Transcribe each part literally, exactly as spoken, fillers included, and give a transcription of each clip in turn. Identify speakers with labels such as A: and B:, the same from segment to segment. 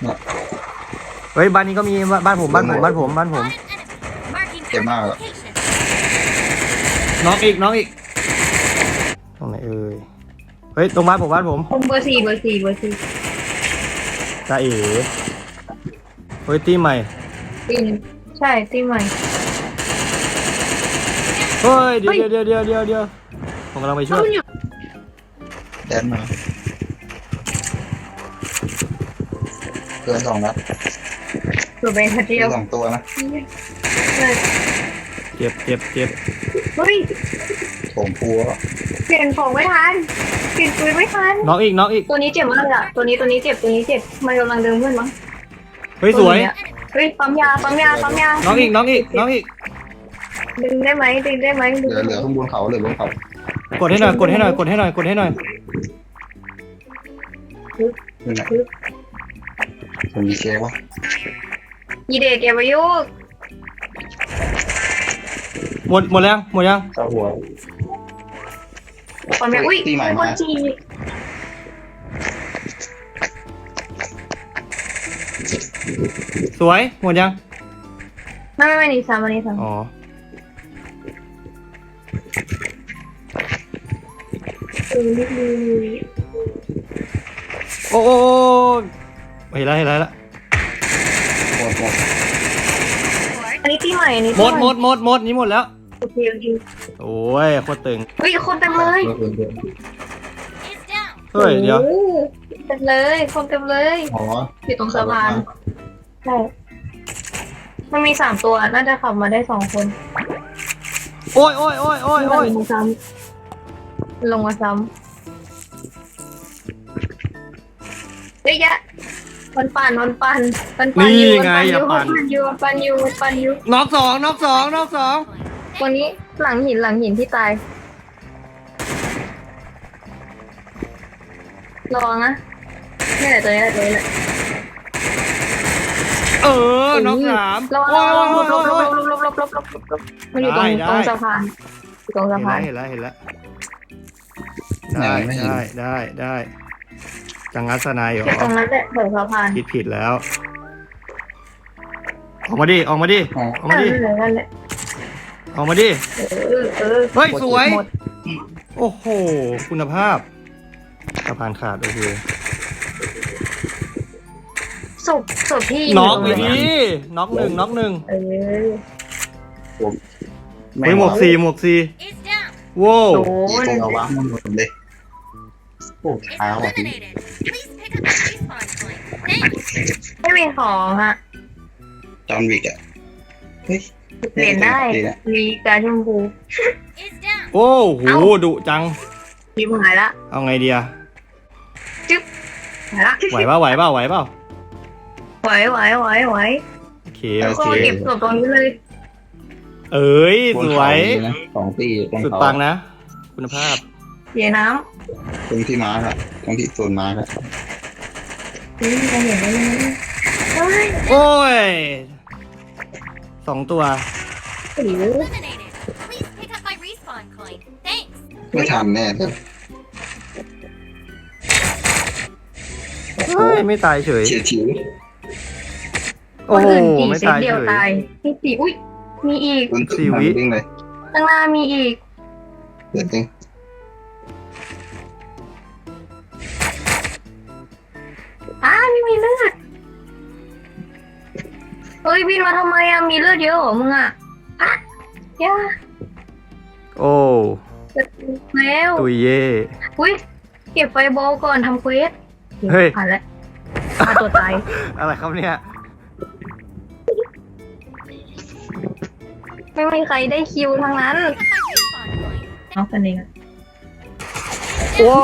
A: เฮ้ยบ้านนี้ก็มีบ้านผมบ้านผมบ้านผมบ้านผม
B: เจ็บมากอะ
A: น้องอีกน้องอีกตรงไหนเอ่ยเฮ้ยตรงบ้านผมบ้านผม
C: ผมเบอร์สี่เบอร์สี่เบอร์สี่
A: ตาเอ๋เฮ้ยตีใหม่
C: ตีนใช่ตีใหม่
A: เฮ้ยเดี๋ยวเดี๋ยวเดี๋ยวเดี๋ยวเดี๋ยวผมกำลังไปช่วย
B: แดนมาเกินสองนัด
C: ตัวเป็นคนเดี
B: เกิ
C: ยวน
B: สองตัวนะ
A: เจ็บเจ็บเจ็บ
C: เฮ้ย
B: โถมพัว
C: เปลี่ยนของไม่ทันเปลี่ยนปืนไม่ทัน
A: น้องอีกน้องอีก
C: ตัวนี้เจ็บมากเลยอะตัวนี้ตัวนี้เจ็บตัวนี้เจ็บมันกำลังเดินขึ้นมั้ง
A: เฮ้ยสวย
C: เฮ้ยปั๊มยาปั๊มยาปั๊มยา
A: น้องอีกน้องอีกน้องอีก
C: ดึงได้ไหมดึงได้ไหม
B: เหลือเหลือข้างบนเขาเหลือบนเขา
A: กดให้หน่อยกดให้หน่อยกดให้หน่อยกดให้หน่อย
B: นี่แหละผมมีเค้กวะ
C: ยีเด็กแกประยุกต์
A: หมดหมดแล้วหมดยัง
B: เข้าหัว
C: ปั๊มยาอุ้ย
B: ตีใหม่
C: ค
B: มาน
C: จี
A: สวยหมดยัง
C: ไม่ไม่ไม่นี่ซ้ำอันนี้ซ้ำ
A: อ๋อ
C: เออนิดนึง
A: โอ้โอ้เห็นแล้วเห็นแล้วละ
B: หมดหมด
C: อันนี้ตีใหม่อันนี้
A: หมดหมดหมดหมดนี่หมดแล้ว
C: โอเคโอเค
A: โอ้ยโคตรตึง
C: เฮ้ยคนเต็มเลย
B: เกินเกิน
A: เฮ้ยเดี๋ยว
C: โอ้โหเต็มเลยคนเต็มเลย
B: อ๋อ
C: อยู่ตรงสะพานใช่มันมีสามตัวน่าจะขับมาได้สองคน
A: โอ้ยโอ้ยโอ้ยโอ้ยโอ้ย
C: ลงมาซ้ำลงมาซ้ำเฮ้ยยะมันปั่นมันปั่นมันปั่นอยู่มันปั่นอยู่มันปั่นอยู่มันปั่นอยู่มันปั่นอยู่
A: น็อกสองน็อกสองน็อกสอง
C: ตัวนี้หลังหินหลังหินที่ตายระวังนะนี่แหละตัวนี้แหละตัวนี้แหละ
A: เออน็อกสาม
C: ระวัง
A: โอ้
C: ระ
A: ย
C: วังหล
A: โอ้
C: บ
A: ย
C: หลบหล
A: โอ้ย
C: บหลบหลบหลบหลบหลบหลบมันอยู่ตรง
A: ได้
C: ตรง
A: ได้
C: สะพานอยู่ตรงสะพาน
A: เห็นแล้วเห็นแล้วได้ได้ได้ได้จังงัสนายเหรอ
C: อยู่ตรงนั้นแหละแถวสะพาน
A: ผิดผิดแล้ว ออกมาดิออกมาดิ
B: อ๋อ
A: ออกมาดิ
C: นั่นแหละนั่นแหละ
A: ออกมาดิ
C: เออเออ
A: เฮ้ยสวย
C: หมด
A: โอ้โหคุณภาพสะพานขาดโอเค
C: ศพศพที่
A: น็อก
C: ยู่
A: ไป
C: ตรง
A: ดิ
C: หน
A: น็อกหนึ่งน็อกหนึ่ง
C: เออ
B: ผมไม่
A: เฮ้ยหมวกสี่หมวกสี่โว้ว
C: โด
B: อี
C: น
B: ตรงเอาวะมันหมดเลยโอ้เท้าอ่ะพี่
C: ไม่มีของอ่ะ
B: จอห์นวิกอ่ะเฮ้ย
C: เปลี่ยนได้มีการชมพู
A: โอ้โหดุจัง
C: มีหายละ
A: เอาไงดีอะ
C: จึ๊บหายละ
A: ไหวเปล่าไหวเปล่าไหวเปล่า
C: ไหวไหวไหวไหว
A: โอเค
C: แล้
A: โอ
C: วก็
A: เค
C: เก็บศพตรงนี้เลย
A: เอ้ย
B: บ
A: ส
B: น
A: ว
B: เขา
A: ย
B: มีนะสองตีบน
A: สุด
B: เขา
A: ปังนะ คุณภาพ
C: เสียน้
B: ตรงที่มาร์กอะตรงที่โซนมาร์กอะ
C: ำนี่จะเห็นได้ยังไงเฮ้ย
A: โอ้ยสองตัว
C: หรือ
B: ไม่ทันแน่เลย
A: เฮ้ยไม่ตายเฉย
B: เฉียดฉิว
A: โอ้
C: คน
A: โห
C: อื่นตี
A: ไม่
C: เซต
A: ตาย
C: เดียว
A: เฉย
C: ตายมีสี่อุ้ยมีอีก
B: วิ่ง
A: สี่วิ
B: วิ่งเลย
C: ข้างหน้ามีอีก
B: เดี๋ยวจริง
C: อ้าไม่มีเลือดเฮ้ยบินมาทำไมอะมีเลือดเยอะเหรอมึงอะอ่ะย่า
A: โอ้
C: แล้ว
A: ตุยเย่
C: อุ้ยเก็บไฟบอลก่อนทำเควส
A: เฮ้ย
C: ผ่านแล้วฆ่าตัวตาย
A: อะไรครับเนี่ย
C: ไม่มีใครได้คิวทั้งนั้นเอากันเองอะ
A: โอ้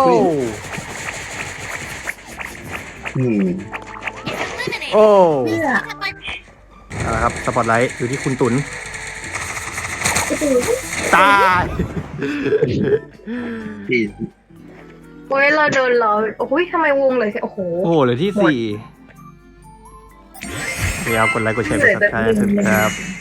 B: อืม
A: โอ้
C: เพื่อ
A: เอาละครับสปอตไลท์อยู่ที่คุณตุนตาย
B: ที่
C: โอ้ยเราโดนหลอกโอ้ยทำไมวงเลยโอ้โห
A: โอ้โหเหลือที่สี่เดี๋ยวกดไลค์กดแชร์กดซับสไครต์ครับ